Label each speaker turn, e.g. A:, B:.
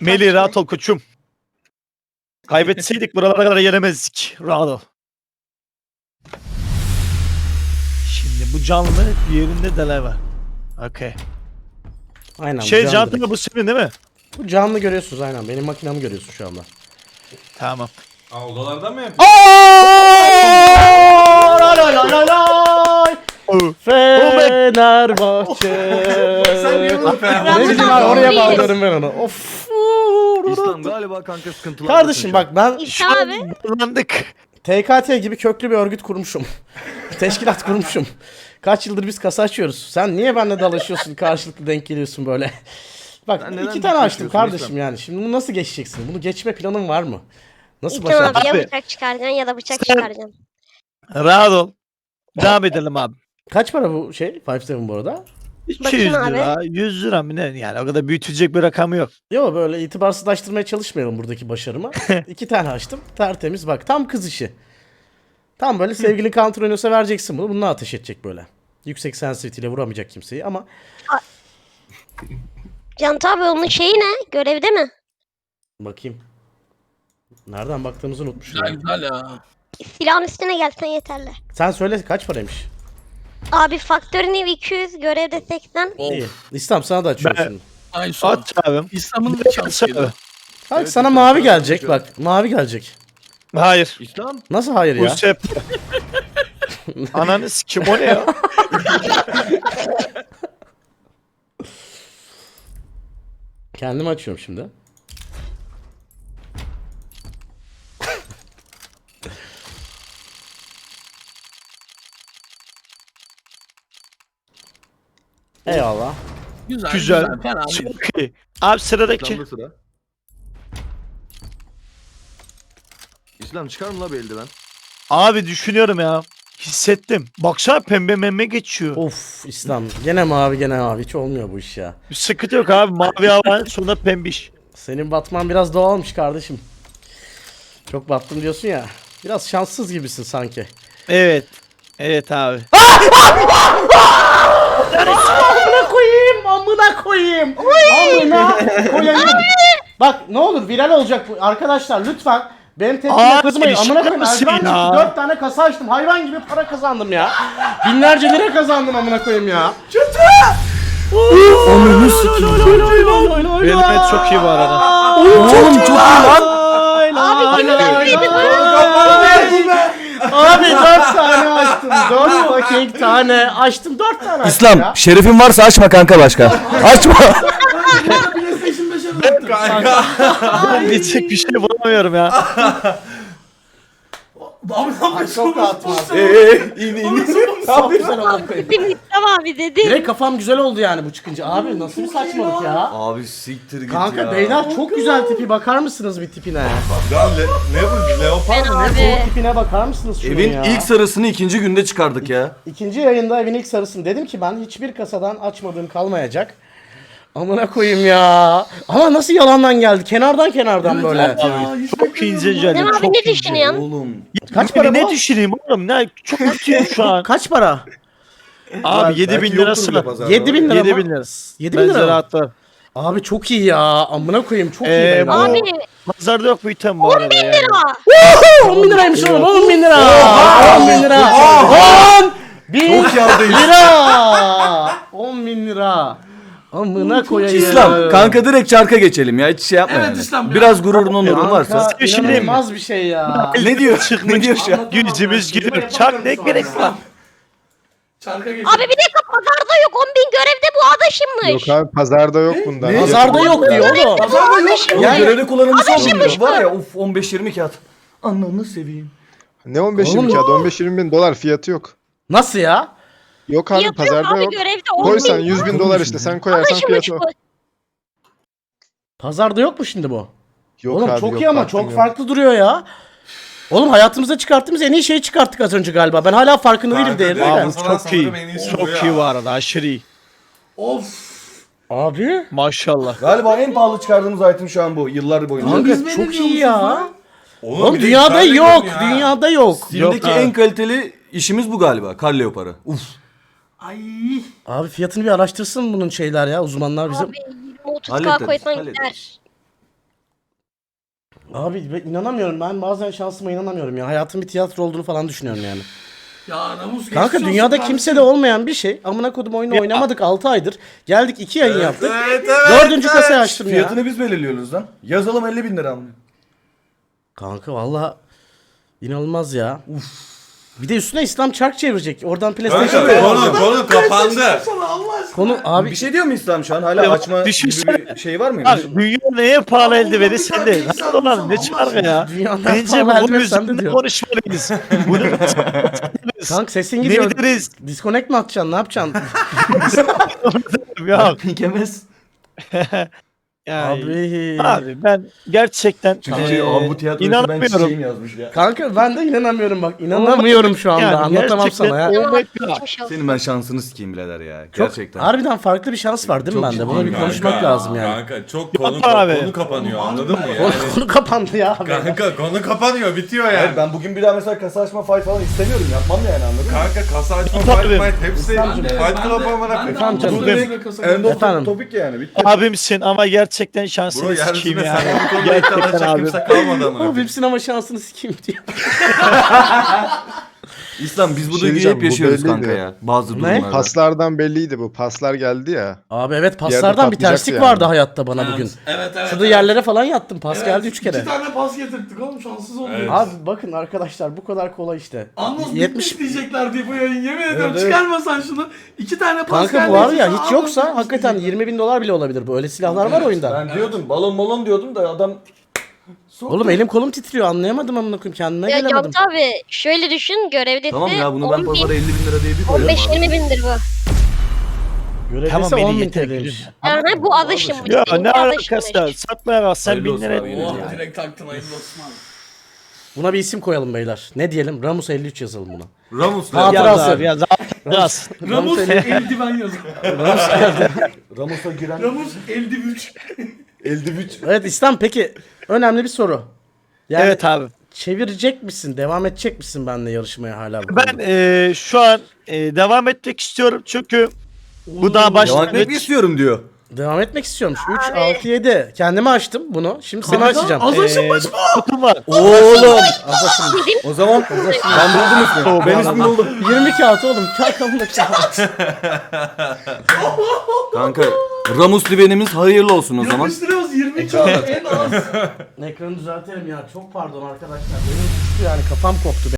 A: Melih rahat ol koçum. Kaybetseydik buralara kadar gelemezdik. Rahat ol. Şimdi bu canlı diğerinde deler var. Okey.
B: Aynen.
A: Şey
B: bu
A: canlı
B: direkt.
A: bu senin değil mi?
B: Bu canlı görüyorsunuz aynen. Benim makinamı görüyorsun şu anda.
A: Tamam.
C: Aa, odalardan mı yapıyorsun?
B: Fenerbahçe.
C: Sen niye bunu
B: Ne
C: Fenerbahçe
B: bileyim abi oraya bağlıyorum ben onu. Of.
D: İslam galiba kanka sıkıntılar.
B: Kardeşim bak ben
E: İlkan abi.
A: Kullandık.
B: TKT gibi köklü bir örgüt kurmuşum. Teşkilat kurmuşum. Kaç yıldır biz kasa açıyoruz. Sen niye benimle dalaşıyorsun, karşılıklı denk geliyorsun böyle? Bak
D: Sen neden
B: 2 tane açtım
D: geçiyorsun
B: kardeşim
D: İslam?
B: yani. Şimdi bunu nasıl geçeceksin? Bunu geçme planın var mı? Nasıl
E: İlkan abi
B: başaracaksın?
E: ya
A: Abi.
E: bıçak çıkaracaksın ya da bıçak
A: Sen-
E: çıkaracaksın.
A: Rahat ol. Devam edelim abi.
B: Kaç para bu şey? 5-7 bu arada?
A: 200
E: Bakayım
A: lira, 100 lira mı ne? Yani o kadar büyütecek bir rakamı yok.
B: Yok böyle itibarsızlaştırmaya çalışmayalım buradaki başarımı. 2 tane açtım. Tertemiz bak. Tam kız işi. Tam böyle sevgilin counter oynuyorsa vereceksin bunu. Bununla ateş edecek böyle. Yüksek sensitivity ile vuramayacak kimseyi ama
E: Canta abi onun şeyi ne? Görevde mi?
B: bakayım. Nereden baktığımızı unutmuşum.
C: Güzel ya.
E: Silahın üstüne gelsen yeterli.
B: Sen söyle kaç paraymış?
E: Abi faktörün ev 200, görevde 80.
B: İyi. İslam sana da açıyorum
A: Ben-
B: şimdi.
C: Ay son.
A: Aç abim.
C: İslam'ın da şansı.
B: Bak
D: Evet,
B: sana
D: İslam,
B: mavi
D: sana
B: gelecek
D: konuşuyorum.
B: bak. Mavi gelecek.
A: Hayır.
D: İslam.
B: Nasıl hayır
A: Bu
B: ya?
A: sep. Ananı sikim o ne ya?
B: Kendim açıyorum şimdi. Eyvallah.
C: Güzel.
A: Güzel.
C: Fena değil.
A: Çok iyi. Abi sıradaki.
D: İslam'da sıra. İslam çıkar mı la bir eldiven?
A: Abi düşünüyorum ya. Hissettim. Baksana pembe memme geçiyor.
B: Of İslam. Gene mavi gene mavi. Hiç olmuyor bu iş ya.
A: Bir sıkıntı yok abi. Mavi hava sonra pembiş.
B: Senin batman biraz doğalmış kardeşim. Çok battım diyorsun ya. Biraz şanssız gibisin sanki.
A: Evet. Evet abi.
B: Amına koyayım, amına koyayım. Amına koyayım. Bak ne olur viral olacak bu. Arkadaşlar lütfen benim tepkime
A: Abi,
B: kızmayın. Amına koyayım.
A: mısın
B: Eldiven
A: ya?
B: çıktı 4 tane kasa açtım. Hayvan gibi para kazandım ya. Binlerce lira kazandım amına koyayım ya. Onu
A: Benim et çok iyi bu arada.
B: Oğlum çok iyi lan.
E: Abi kimin öldüğünü
B: Abi 4 tane açtım. 4 fucking tane açtım. 4 tane açtım
F: İslam
B: ya.
F: şerefin varsa açma kanka başka. Açma.
A: Diyecek bir şey bulamıyorum ya.
B: Ay, çok rahatım abi.
D: İn.
B: Ne yapıyorsun sen amına koyayım?
E: Dedim İslam abi dedi.
B: Direkt kafam güzel oldu yani bu çıkınca. Abi nasıl bir saçmalık ya?
D: Abi siktir git
B: Kanka
D: ya.
B: beyler çok güzel tipi. Bakar mısınız bir tipine?
C: Ya ne bu? Leopar mı?
E: Abi.
B: Bu tipine bakar mısınız şunun
D: Evin
B: ya?
D: ilk sarısını ikinci günde çıkardık ya.
B: İkinci yayında evin ilk sarısını dedim ki ben hiçbir kasadan açmadığım kalmayacak. Amına koyayım ya. Ama nasıl yalandan geldi? Kenardan böyle.
A: Çok ince
E: İslam
A: canım.
E: abi
A: Çok
E: ne
A: ince.
E: düşünüyorsun?
D: Oğlum.
B: Kaç para
A: Ne
B: bu?
A: düşüneyim oğlum? Ne çok kötüyüm şu an.
B: Kaç para?
A: Abi 7000 lirası mı?
B: 7000 lira mı?
A: 7000 lira.
B: 7000
A: Bence
B: lira mı?
A: rahatlar.
B: Abi çok iyi ya. Amına koyayım çok iyi.
A: Bu-
B: beyler.
E: Abi
A: Pazarda yok bu item bu arada.
E: 10.000
A: yani.
E: lira.
B: 10 bin liraymış oğlum 10 bin lira. 10 bin lira. 10 bin lira. 10 bin lira. Amına koyayım.
F: İslam kanka direkt çarka geçelim ya hiç şey yapma
C: Evet
F: yani.
C: İslam ya.
F: Biraz gururun onurun varsa.
B: Kanka
A: Bir şey diyeyim mi?
B: inanılmaz bir şey ya.
F: Ne diyor? Ne diyor şu an?
A: Yüzümüz gülüyor. Çak ne gerek var?
C: Çarka geç.
E: Abi bir dakika pazarda yok. 10.000 görevde bu adaşımmış.
G: Yok abi pazarda yok bundan.
B: Pazarda yok diyor oğlum.
C: Pazarda yok.
F: Ya
B: Yani-
F: görevde kullanılmış
E: Adaşıymış
F: olmuyor. Var ya of 15-20 kağıt. Ananı seveyim.
G: Ne 15
B: Oğlum-
G: kağıt 15-20 bin dolar fiyatı yok.
B: Nasıl ya?
G: Yok abi
E: Fiyatı yok
G: pazarda
E: abi
G: yok.
E: görevde
G: Koy sen
E: 10.000
G: 100 bin dolar işte sen koyarsan
E: adaşımmış
G: fiyatı
E: bu.
G: o.
B: Pazarda yok mu şimdi bu?
G: Yok
B: Oğlum
G: abi,
B: çok
G: yok,
B: iyi ama
G: baktım
B: çok
G: yok.
B: farklı duruyor ya. Oğlum hayatımıza çıkarttığımız en iyi şeyi çıkarttık az önce galiba. Ben hala farkında değilim değerli
C: Kanka,
B: de.
A: Abi
C: Kasadan
A: çok iyi.
C: sanırım en iyisi bu
A: Çok
C: ya.
A: iyi bu arada. Aşırı iyi.
C: Of.
B: Abi.
A: Maşallah.
F: Galiba en pahalı çıkardığımız item şu an bu yıllar boyunca.
B: Kanka
C: biz
B: çok
C: beğeniyor
B: iyi ya.
C: musunuz
B: Oğlum
C: bir de
B: dünyada
C: güzel
B: yok.
C: görünüyor ha.
B: Dünyada yok.
F: Steam'deki
A: Yok abi.
F: en kaliteli işimiz bu galiba. Kar leoparı. Uf.
C: Ay.
B: Abi fiyatını bir araştırsın bunun şeyler ya uzmanlar bizim.
E: Abi 20-30k
F: Hallederiz,
E: koysan
F: hallederiz.
E: gider.
B: Abi ben inanamıyorum. Ben bazen şansıma inanamıyorum ya. Hayatın bir tiyatro olduğunu falan düşünüyorum yani.
C: Ya namus
B: Kanka
C: geçmiş
B: dünyada
C: olsun
B: kimse de olmayan bir şey. Amına kodum oyunu oynamadık 6 aydır. Geldik 2 yayın yaptık.
C: Evet,
B: 4. kasayı açtım ya.
F: Fiyatını biz belirliyoruz lan. Yazalım 50.000 lira amına.
B: Kanka valla inanılmaz ya. Bir de üstüne İslam çark çevirecek. Oradan PlayStation
C: Kanka konu kapandı.
B: Konu abi
F: Bir şey diyor mu İslam şu an? Hala açma gibi
A: Düşünsene.
F: bir şey var mıydı?
A: Abi dünya neye pahalı eldiveni sende.
C: insan
A: Nasıl olan ne
C: Allah
A: çarkı ya.
B: Dünyanın
A: Bence
B: pahalı
A: bu
B: eldiveni sende
A: yüzden
B: diyor.
A: konuşmalıyız. Bunu
B: kanka sesin
A: ne
B: gidiyor.
A: deriz?
B: Disconnect mi atacaksın? Ne yapacaksın?
A: Yok.
F: Pikemez.
A: Yani,
B: abi.
A: abi ben gerçekten
F: Abi bu tiyatroyu ben
A: inanamıyorum.
F: çiçeğim yazmış ya.
B: Kanka ben de inanamıyorum bak. İnanamıyorum şu anda.
A: Yani
B: Anlatamam
A: gerçekten
B: sana ya.
E: Geçmiş olsun.
D: Senin ben şansını sikeyim birader ya.
B: Çok,
D: Gerçekten.
B: harbiden farklı bir şans var değil mi
D: Çok
B: bende? Bunu bir
D: ciddi
B: konuşmak
C: Kanka,
B: lazım yani.
C: Kanka çok
A: abi.
C: konu kapanıyor anladın mı
B: Konu,
C: yani?
B: konu kapandı ya abi.
C: Kanka konu kapanıyor bitiyor yani.
F: Hayır ben bugün bir daha mesela kasa açma fight falan istemiyorum. Yapmam yani anladın mı?
C: Kanka kasa açma
A: Tabii.
C: fight might hepsi
B: İslamcığım.
C: fight club amına koyayım.
B: Efendim canım.
C: Bu da
F: End of
B: Efendim?
F: topic yani. Bitti.
A: Abimsin ama gerçekten
C: Bro
A: şansını sikeyim
C: yeryüzünde
A: yani.
C: sen bu konuda iddia
A: Gerçekten
C: edecek
A: abi.
C: kimse kalmadı amına
B: Abi
C: koyayım.
B: hepsinin ama şansını sikeyim diyor.
D: İslam biz bu
G: Bir şey
D: duyguyu
G: diyeceğim,
D: hep
G: bu
D: yaşıyoruz
G: belliydi.
D: kanka ya. Bazı durumlarda.
G: Paslardan belliydi bu. Paslar geldi ya.
B: Abi evet
G: yerde
B: paslardan bir
G: patlayacaktı
B: terslik
G: yani.
B: vardı hayatta bana bugün.
C: Evet.
B: Şurada yerlere falan yattım. Pas
C: Evet,
B: geldi 3 kere.
C: 2 tane pas getirttik oğlum şanssız olmuyor.
A: Evet.
B: Abi bakın arkadaşlar bu kadar kolay işte.
C: Anons
B: 70
C: bitmiş diyecekler diye bu yayın yemin ediyorum
F: evet.
C: çıkarmasan şunu 2 tane pas
B: Kanka
C: geldi.
B: bu var
C: iki
B: ya
C: tane
B: hiç
C: anons
B: yoksa
C: bitmiş
B: hakikaten
C: diyecekler.
B: 20.000 dolar bile olabilir bu. Öyle silahlar var oyunda.
F: Ben diyordum balon diyordum da adam
B: Oğlum elim kolum titriyor anlayamadım amına koyayım kendime
E: Ya
B: gelemedim.
E: Cantu abi şöyle düşün görevlisi
D: Tamam ya bunu ben
E: 10
D: pazara
E: bin,
D: 50.000 lira diye bir koyarım abi.
E: 15-20 bindir bu.
B: Görevlisi
A: Tamam, beni
B: 10.000
A: yeter,
B: TL'ymiş.
E: Yani bu alışım bu.
A: Ya
E: değil,
A: ne
E: bu
A: alakası
E: alışım.
A: var? Satmaya bak sen
D: Hayırlı
A: 1000
D: olsun
A: lira
D: abi, yine
C: Oh
D: de.
C: direkt taktın hayırlı olsun abi.
B: Buna bir isim koyalım beyler. Ne diyelim? Ramus 53 yazalım buna.
D: Ramus'la.
B: Hatıra
A: Yaz
B: Hatırası.
A: abi yaz. Yaz.
C: Ramus eldiven yazıyor.
F: Ramos'a giren
C: Ramus eldivuç.
F: eldivüç.
B: Evet İslam peki önemli bir soru. Yani
A: Evet abi.
B: çevirecek misin? Devam edecek misin benimle yarışmaya hala? bu
A: Ben
B: konuda?
A: şu an devam etmek istiyorum çünkü bu daha
D: Devam etmek
A: başlangıç.
D: istiyorum diyor.
B: Devam etmek istiyormuş. 3, 6, 7. Kendime açtım bunu. Şimdi seni açacağım.
C: Az aşınmış mı?
A: Kutum var.
B: Oğlum. Az aşınmış.
F: O zaman ben buldum ismi. Ben ismini buldum.
B: 20 kağıt oğlum. Çarkamda kağıt.
D: Kanka Ramus livenimiz hayırlı olsun o zaman.
C: Yapıştırıyoruz 20 kağıt en az.
B: Ekranı düzeltelim ya. Çok pardon arkadaşlar. Benim düştü yani kafam koptu.